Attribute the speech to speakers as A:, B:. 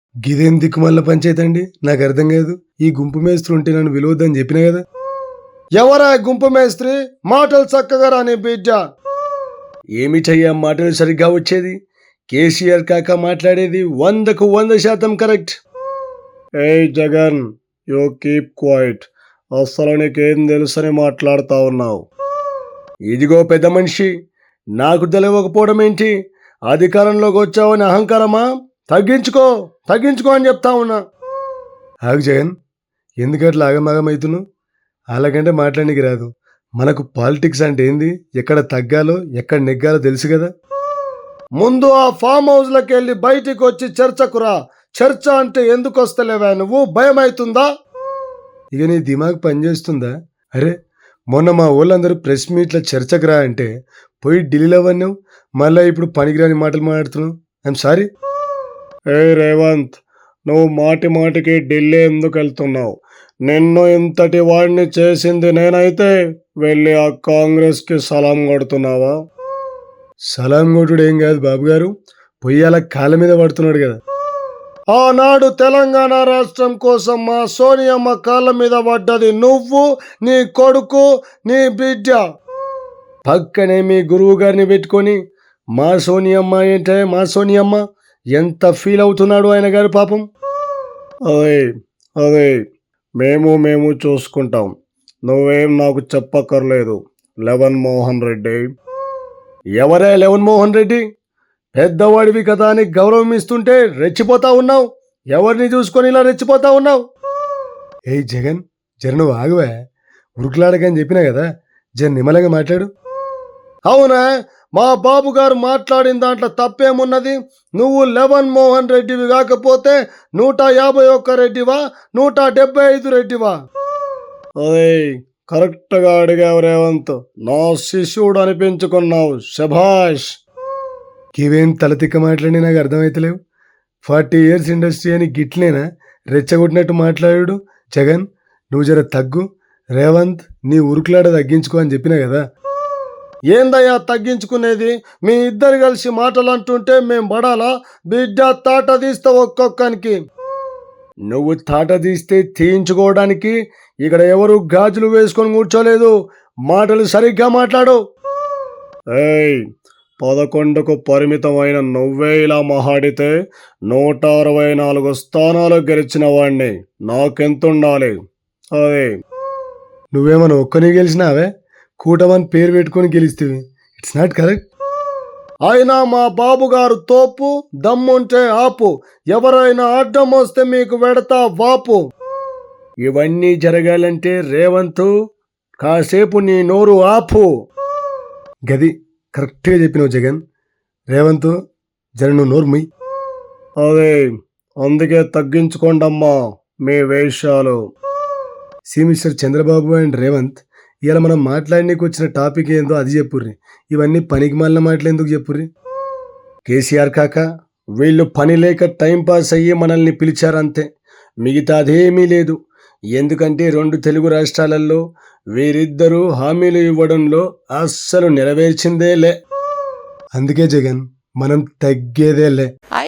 A: గిదేం దిక్కుమల్ల పంచాయతీ అండి, నాకు అర్థం కాదు. ఈ గుంపు మేస్త్రి ఉంటే నన్ను విలువద్దని చెప్పినా కదా. ఎవరా గుంపు మేస్త్రి? మాటలు చక్కగా రాని బిడ్డ. ఏమిటయ్యా మాటలు సరిగ్గా వచ్చేది? కేసీఆర్ కాక మాట్లాడేది 100కు 100% కరెక్ట్. ఏ జగన్, యూ కీప్ క్వైట్. అసలు నీకేం తెలుసని మాట్లాడుతా ఉన్నావు? ఇదిగో పెద్ద మనిషి, నాకు తెలియకపోవడం ఏంటి? అధికారంలోకి వచ్చావని అహంకారమా? తగ్గించుకో తగ్గించుకో అని చెప్తా ఉన్నా. ఆగు జగన్, ఎందుకట్లా ఆగమాగమవుతున్నావు? అలాగంటే మాట్లాడడానికి రాదు. మనకు పాలిటిక్స్ అంటే ఏంది, ఎక్కడ తగ్గాలో ఎక్కడ నెగ్గాలో తెలుసు కదా. ముందు ఆ ఫామ్ హౌస్లోకి వెళ్ళి బయటికి వచ్చి చర్చకురా. చర్చ అంటే ఎందుకు వస్తలేవా నువ్వు? భయం అవుతుందా? ఇక నీ దిమాగ్ పనిచేస్తుందా? అరే, మొన్న మా వాళ్ళందరూ ప్రెస్ మీట్లో చర్చకు రా అంటే పోయి ఢిల్లీలో వన్నావు, మళ్ళీ ఇప్పుడు పనికిరాని మాటలు మాట్లాడుతున్నావు. I'm sorry. ఏ రేవంత్, నువ్వు మాటి మాటికి ఢిల్లీ ఎందుకు వెళ్తున్నావు? నిన్ను ఇంతటి వాడిని చేసింది నేనైతే వెళ్ళి ఆ కాంగ్రెస్కి సలాం కొడుతున్నావా? సలాం కొట్టుడు ఏం కాదు బాబు గారు, పొయ్యాల కాళ్ళ మీద పడుతున్నాడు కదా. ఆనాడు తెలంగాణ రాష్ట్రం కోసం మా సోనియమ్మ కాళ్ళ మీద పడ్డది నువ్వు, నీ కొడుకు, నీ బిడ్డ. పక్కనే మీ గురువు గారిని పెట్టుకొని మా సోనియమ్మ ఏంటే మా సోనియమ్మ, ఎంత ఫీల్ అవుతున్నాడు ఆయన గారు పాపం. అదే అదే మేము చూసుకుంటాం, నువ్వేం నాకు చెప్పక్కర్లేదు. లెవన్ మోహన్ రెడ్డి. ఎవరే లెవన్ మోహన్ రెడ్డి? పెద్దవాడివి కదా అని గౌరవం ఇస్తుంటే రెచ్చిపోతా ఉన్నావు. ఎవరిని చూసుకొని ఇలా రెచ్చిపోతా ఉన్నావు? ఏ జగన్, జర నువ్వు ఆగువా, ఉరుకులాడకని చెప్పినా కదా, జర నిమ్మలంగా మాట్లాడు. అవునా, మా బాబు గారు మాట్లాడిన దాంట్లో తప్పేమున్నది? నువ్వు లెవన్ మోహన్ రెడ్డివి కాకపోతే 151 రెడ్డివా, 175 రెడ్డివా? అదే కరెక్ట్గా అడిగావు రేవంత్, నా శిష్యుడు అనిపించుకున్నావు, శభాష్. ఇవేం తలతిక్క మాట్లాడి నాకు అర్థమైతలేవు. 40 years ఇండస్ట్రీ అని గిట్లేనా రెచ్చగొట్టినట్టు మాట్లాడు? జగన్, నువ్వు జర తగ్గు. రేవంత్, నీ ఉరుకులాడ తగ్గించుకో అని చెప్పినా కదా. ఏందయ్యా తగ్గించుకునేది? మీ ఇద్దరు కలిసి మాటలు అంటుంటే మేం పడాలా? బిడ్డ తాట తీస్తా ఒక్కొక్కనికి. నువ్వు తాట తీస్తే తీయించుకోవడానికి ఇక్కడ ఎవరు గాజులు వేసుకొని కూర్చోలేదు. మాటలు సరిగ్గా మాట్లాడు. ఏయ్, 11కు పరిమితమైన నువ్వే ఇలా మహాడితే 164 స్థానాలు గెలిచిన వాడిని నాకెంతుండాలి? అదే నువ్వేమన్నా ఒక్కని గెలిచినావే? కూటమని పేరు పెట్టుకొని గెలిస్తేవి. It's not correct. అయినా మా బాబు గారు తోపు, దమ్ముంటే ఆపు, ఎవరైనా అడ్డం వస్తే మీకు వెడతా వాపు. ఇవన్నీ జరగాలంటే రేవంత్ కాసేపు నీ నోరు ఆపు. గది కరెక్ట్గా చెప్పినావు జగన్. రేవంత్, జర నువ్వు నోరు ముయ్. అదే అందుకే తగ్గించుకోండమ్మా మీ వేషాలు. See mister Chandrababu and Revanth, ఇలా మనం మాట్లాడడానికి వచ్చిన టాపిక్ ఏందో అది చెప్పుర్రి. ఇవన్నీ పనికి మాలిన మాటలు ఎందుకు చెప్పుర్రి? కేసీఆర్ కాక వీళ్ళు పని లేక టైంపాస్ అయ్యి మనల్ని పిలిచారంతే, మిగతా అదేమీ లేదు. ఎందుకంటే 2 తెలుగు రాష్ట్రాలలో వీరిద్దరూ హామీలు ఇవ్వడంలో అస్సలు నెరవేర్చిందే లే. అందుకే జగన్, మనం తగ్గేదే లే.